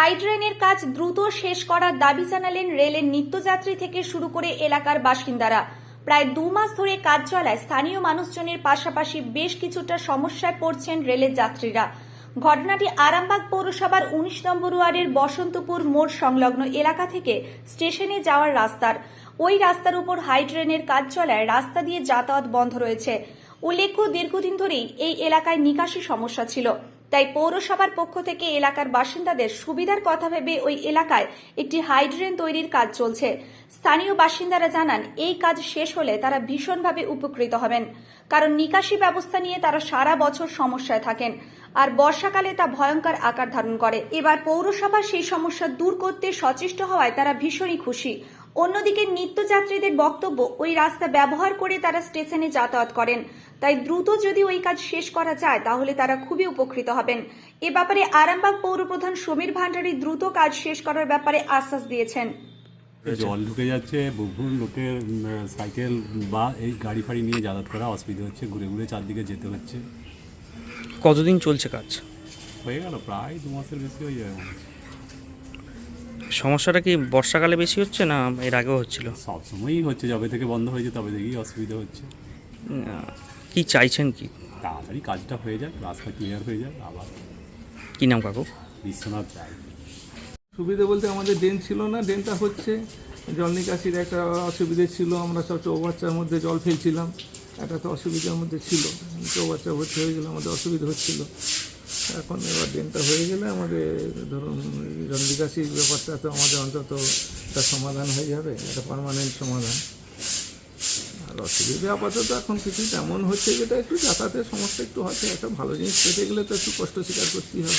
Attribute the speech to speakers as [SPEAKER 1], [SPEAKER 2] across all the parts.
[SPEAKER 1] High ড্রেনের কাজ দ্রুত শেষ করার দাবি জানালেন রেলের নিত্যযাত্রী থেকে শুরু করে এলাকার বাসিন্দারা। প্রায় 2 মাস ধরে কাজ চলায় স্থানীয় মানুষজনের পাশাপাশি বেশ কিছুটা সমস্যায় পড়ছেন রেলের যাত্রীরা। ঘটনাটি আরামবাগ পৌরসভার 19 নম্বর ওয়ার্ডের বসন্তপুর মোড় সংলগ্ন এলাকা থেকে স্টেশনে যাওয়ার রাস্তার। ওই রাস্তার উপর হাই ড্রেনের কাজ চলায় রাস্তা দিয়ে যাতায়াত বন্ধ রয়েছে। উল্লেখ্য, দীর্ঘদিন ধরেই এই এলাকায় নিকাশি সমস্যা ছিল। তাই পৌরসভার পক্ষ থেকে এলাকার বাসিন্দাদের সুবিধার কথা ভেবে ওই এলাকায় একটি হাই ড্রেন তৈরির কাজ চলছে। স্থানীয় বাসিন্দারা জানান, এই কাজ শেষ হলে তারা ভীষণভাবে উপকৃত হবেন, কারণ নিকাশি ব্যবস্থা নিয়ে তারা সারা বছর সমস্যায় থাকেন, আর বর্ষাকালে তা ভয়ঙ্কর আকার ধারণ করে। এবার পৌরসভা সেই সমস্যা দূর করতে সচেষ্ট হওয়ায় তারা ভীষণই খুশি। অন্যদিকে নিত্যযাত্রীদের বক্তব্য, ওই রাস্তা ব্যবহার করে তারা স্টেশনে যাতায়াত করেন, তাই দ্রুত যদি ওই কাজ শেষ করা যায় তাহলে তারা খুবই উপকৃত হবেন। এ ব্যাপারে আরামবাগ পৌরপ্রধান সমীর ভান্ডারী দ্রুত কাজ শেষ করার ব্যাপারে আশ্বাস দিয়েছেন।
[SPEAKER 2] জল ঢুকে যাচ্ছে, বহু লোকের সাইকেল বা এই গাড়ি ফাড়ি নিয়ে যাতায়াত করা অসুবিধা হচ্ছে, ঘুরে ঘুরে চারদিকে যেতে হচ্ছে।
[SPEAKER 3] কতদিন চলছে কাজ?
[SPEAKER 2] হয়ে গেল প্রায় 2 মাসের বেশি হয়ে যাবে।
[SPEAKER 3] সমস্যাটা কি বর্ষাকালে বেশি হচ্ছে না এর আগেও হচ্ছিল?
[SPEAKER 2] সবসময়ই হচ্ছে, যবে থেকে বন্ধ হয়েছে তবে থেকেই অসুবিধা হচ্ছে।
[SPEAKER 3] কি চাইছেন কি?
[SPEAKER 2] তাড়াতাড়ি কাজটা হয়ে যাক, রাস্তা ক্লিয়ার হয়ে যাক। আবার
[SPEAKER 3] কি নাম কাকু?
[SPEAKER 2] বিশ্বনাথ চাই।
[SPEAKER 4] সুবিধে বলতে আমাদের ড্রেন ছিল না, ড্রেনটা হচ্ছে, জল নিকাশির একটা অসুবিধে ছিল। আমরা সব চৌবাচ্চার মধ্যে জল ফেলছিলাম, একটা তো অসুবিধার মধ্যে ছিল। চৌবাচ্চা ভর্তি হয়ে গেলে আমাদের অসুবিধা হচ্ছিল। এখন এবার ড্রেনটা হয়ে গেলে আমাদের ধরুন জল নিকাশির ব্যাপারটা তো আমাদের অন্তত একটা সমাধান হয়ে যাবে, একটা পার্মানেন্ট সমাধান। আর অসুবিধা আপাতত এখন কিছু তেমন হচ্ছে, যেটা একটু যাতায়াতের সমস্যা একটু হচ্ছে। একটা ভালো জিনিস পেতে গেলে তো একটু কষ্ট স্বীকার করতেই হবে।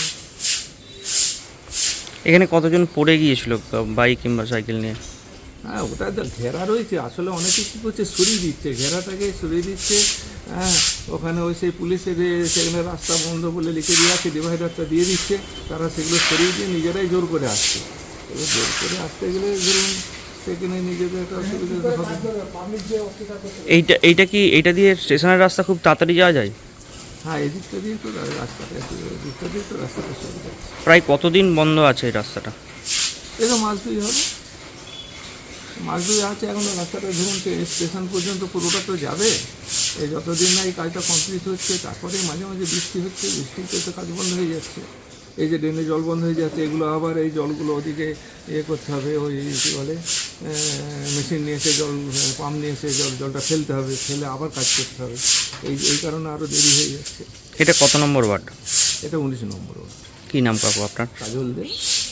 [SPEAKER 3] এখানে কতজন পড়ে গিয়েছিল বাইক কিংবা সাইকেল নিয়ে?
[SPEAKER 4] হ্যাঁ, ওটা তো ঘেরা রয়েছে, আসলে অনেকে কী করছে, সরিয়ে দিচ্ছে, ঘেরাটাকে সরিয়ে দিচ্ছে। হ্যাঁ, ওখানে ওই সেই পুলিশের সেখানে রাস্তা বন্ধ বলে লিখে দিয়ে আছে, ডিভাইডারটা দিয়ে দিচ্ছে, তারা সেগুলো সরিয়ে দিয়ে নিজেরাই জোর করে আসছে। এবার জোর করে আসতে গেলে ধরুন সেখানে নিজেদের একটা অসুবিধা হবে।
[SPEAKER 3] এইটা দিয়ে স্টেশনের রাস্তা খুব তাড়াতাড়ি যাওয়া যায়?
[SPEAKER 4] হ্যাঁ, এদিকটা দিয়ে তো রাস্তাটা এদিকটা দিয়ে তো রাস্তাটা সুবিধা।
[SPEAKER 3] প্রায় কতদিন বন্ধ আছে এই রাস্তাটা?
[SPEAKER 4] এটা মাস 2 হবে, মাস 2 আছে। এখন রাস্তাটা ধরুন স্টেশন পর্যন্ত পুরোটা তো যাবে। এই যতদিন না এই কাজটা কমপ্লিট হচ্ছে, তারপরে মাঝে মাঝে বৃষ্টি হচ্ছে, বৃষ্টিতে তো কাজ বন্ধ হয়ে যাচ্ছে। এই যে ড্রেনে জল বন্ধ হয়ে যাচ্ছে, এগুলো আবার এই জলগুলো ওদিকে করতে হবে, ওই কী বলে মেশিন নিয়ে এসে পাম্প নিয়ে এসে জলটা ফেলতে হবে, ফেলে আবার কাজ করতে হবে। এই কারণে আরও দেরি হয়ে যাচ্ছে।
[SPEAKER 3] এটা কত নম্বর ওয়ার্ড?
[SPEAKER 4] এটা 19 নম্বর ওয়ার্ড।
[SPEAKER 3] কী নাম কাকু আপনার?
[SPEAKER 4] কাজল দে।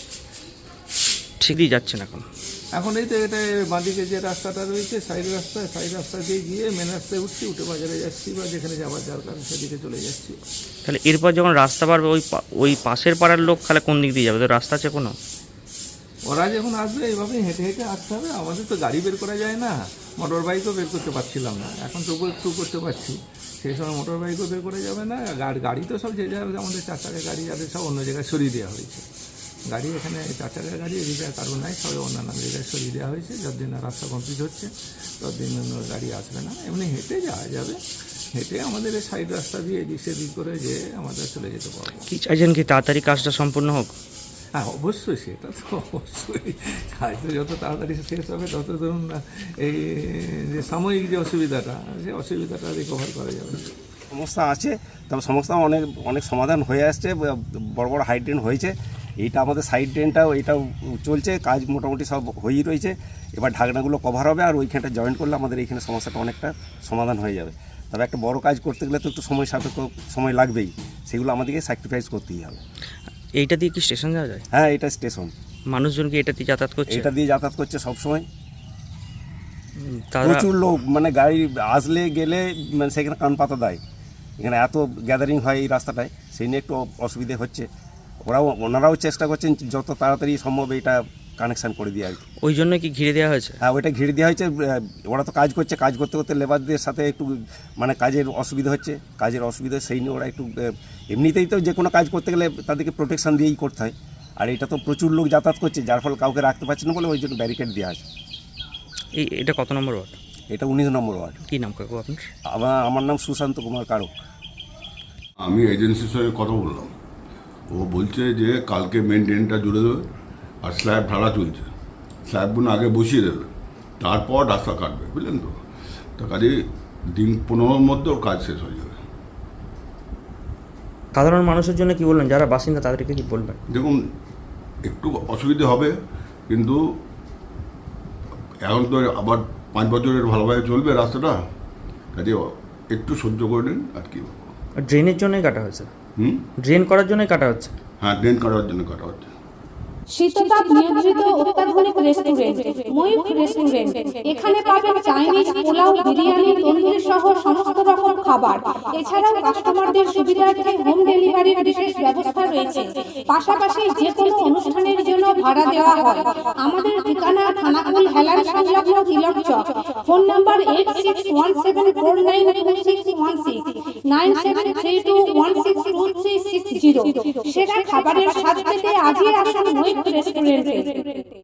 [SPEAKER 3] ঠিকই যাচ্ছেন
[SPEAKER 4] এখন এই তো এটা বাঁদিকে যে রাস্তাটা রয়েছে, সাইড রাস্তা দিয়ে গিয়ে মেন রাস্তায় উঠে বাজারে যাচ্ছি, বা যেখানে যাওয়ার দরকার সেদিকে চলে যাচ্ছি।
[SPEAKER 3] তাহলে এরপর যখন রাস্তা বাড়বে ওই পাশের পাড়ার লোক তাহলে কোন দিক দিয়ে যাবে? তো রাস্তা আছে কোনো?
[SPEAKER 4] ওরা যখন আসবে এইভাবেই হেঁটে হেঁটে আসতে হবে। আমাদের তো গাড়ি বের করা যায় না, মোটর বাইকও বের করতে পারছিলাম না, এখন তবুও একটু করতে পারছি। সেই সময় মোটর বাইকও বের করা যাবে না। গাড়ি তো সব যে জায়গায় আমাদের 4 চাকা গাড়ি যাদের সব অন্য জায়গায় সরিয়ে দেওয়া হয়েছে। গাড়ি এখানে 4 চাকা গাড়ি এদিকে কারণ নাই, সবাই অন্যান্য জায়গায় সরিয়ে দেওয়া হয়েছে। যতদিন না রাস্তা কমপ্লিট হচ্ছে ততদিন গাড়ি আসবে না, এমনি হেঁটে যাওয়া যাবে। হেঁটে আমাদের এই সাইড রাস্তা দিয়ে এদিক সেদিক করে যে আমাদের চলে যেতে পারবো।
[SPEAKER 3] কি চাইছেন কি তাড়াতাড়ি কাজটা সম্পূর্ণ হোক?
[SPEAKER 4] হ্যাঁ, অবশ্যই, সেটা তো অবশ্যই। কাজটা যত তাড়াতাড়ি শেষ হবে তত ধরুন এই যে সাময়িক যে অসুবিধাটা, সে অসুবিধাটা রিকভার করা যাবে।
[SPEAKER 5] সমস্যা আছে, তবে সমস্যা অনেক সমাধান হয়ে আসছে। বড় বড় হাই ড্রেন হয়েছে, এইটা আমাদের সাইড ড্রেনটাও এটাও চলছে, কাজ মোটামুটি সব হয়েই রয়েছে। এবার ঢাকনাগুলো কভার হবে, আর ওইখানটা জয়েন করলে আমাদের এইখানে সমস্যাটা অনেকটা সমাধান হয়ে যাবে। তবে একটা বড় কাজ করতে গেলে তো একটু সময় লাগবেই, সেগুলো আমাদেরকে স্যাক্রিফাইস করতেই হবে।
[SPEAKER 3] এইটা দিয়ে কি স্টেশন যাওয়া যায়?
[SPEAKER 5] হ্যাঁ, এটা স্টেশন।
[SPEAKER 3] মানুষজন কি এটা দিয়ে যাতায়াত করছে?
[SPEAKER 5] এটা দিয়ে যাতায়াত করছে সবসময়,
[SPEAKER 3] তারা
[SPEAKER 5] প্রচুর লোক। মানে গাড়ি আসলে গেলে মানে সেখানে কান পাতা দেয়। এখানে এত গ্যাদারিং হয় এই রাস্তাটায়, সেই নিয়ে একটু অসুবিধে হচ্ছে। ওনারাও চেষ্টা করছেন যত তাড়াতাড়ি সম্ভব এটা কানেকশান করে দিয়ে আর কি।
[SPEAKER 3] ওই জন্য কি ঘিরে দেওয়া হয়েছে?
[SPEAKER 5] হ্যাঁ, ওইটা ঘিরে দেওয়া হয়েছে। ওরা তো কাজ করছে, কাজ করতে করতে লেবারদের সাথে একটু মানে কাজের অসুবিধা হচ্ছে, সেই নিয়ে ওরা একটু এমনিতেই তো যে কোনো কাজ করতে গেলে তাদেরকে প্রোটেকশান দিয়েই করতে হয়। আর এটা তো প্রচুর লোক যাতায়াত করছে, যার ফলে কাউকে রাখতে পারছে না বলে ওই জন্য ব্যারিকেড দেওয়া আছে।
[SPEAKER 3] এটা কত নম্বর ওয়ার্ড?
[SPEAKER 5] এটা 19 নম্বর ওয়ার্ড।
[SPEAKER 3] কী নাম কাকু আপনার?
[SPEAKER 5] আমার নাম সুশান্ত কুমার কারক।
[SPEAKER 6] আমি এজেন্সির সঙ্গে কথা বললাম, ও বলছে যে কালকে মেন ড্রেনটা জুড়ে দেবে আর স্ল্যাব ঢালা চলছে, স্ল্যাবগুলো আগে বসিয়ে দেবে, তারপর রাস্তা কাটবে, বুঝলেন তো? তো কাজে দিন 15-র মধ্যে ওর কাজ শেষ হয়ে যাবে।
[SPEAKER 3] সাধারণ মানুষের জন্য কি বলবেন, যারা বাসিন্দা তাদেরকে কি বলবেন?
[SPEAKER 6] দেখুন, একটু অসুবিধে হবে, কিন্তু এখন তো আবার 5 বছরের ভালোভাবে চলবে রাস্তাটা, কাজে একটু সহ্য করে নিন আর কি।
[SPEAKER 3] ড্রেনের জন্যই কাটা হয়েছে? ড্রেন করার জন্যই কাটা হচ্ছে?
[SPEAKER 6] হ্যাঁ, ড্রেন কাটার জন্য কাটা হচ্ছে।
[SPEAKER 7] শীততাপ নিয়ন্ত্রিত অত্যাধুনিক রেস্টুরেন্ট ময়ূখ রেস্টুরেন্ট। এখানে পাবেন চাইনিজ, পোলাও, বিরিয়ানি, তন্দুরি সহ সমস্ত রকম খাবার। এছাড়াও কাস্টমারদের সুবিধার্থে হোম ডেলিভারির বিশেষ ব্যবস্থা রয়েছে। পাশাপাশি যে কোনো অনুষ্ঠানের জন্য ভাড়া দেওয়া হয়। আমাদের ঠিকানা থানাকুল হেলান সংলগ্ন তিলক চক। Phone number 8617492616 9732162360। সেরা খাবারের স্বাদ পেতে আজই আসুন ময়ূখ রেস্টুরেন্টে।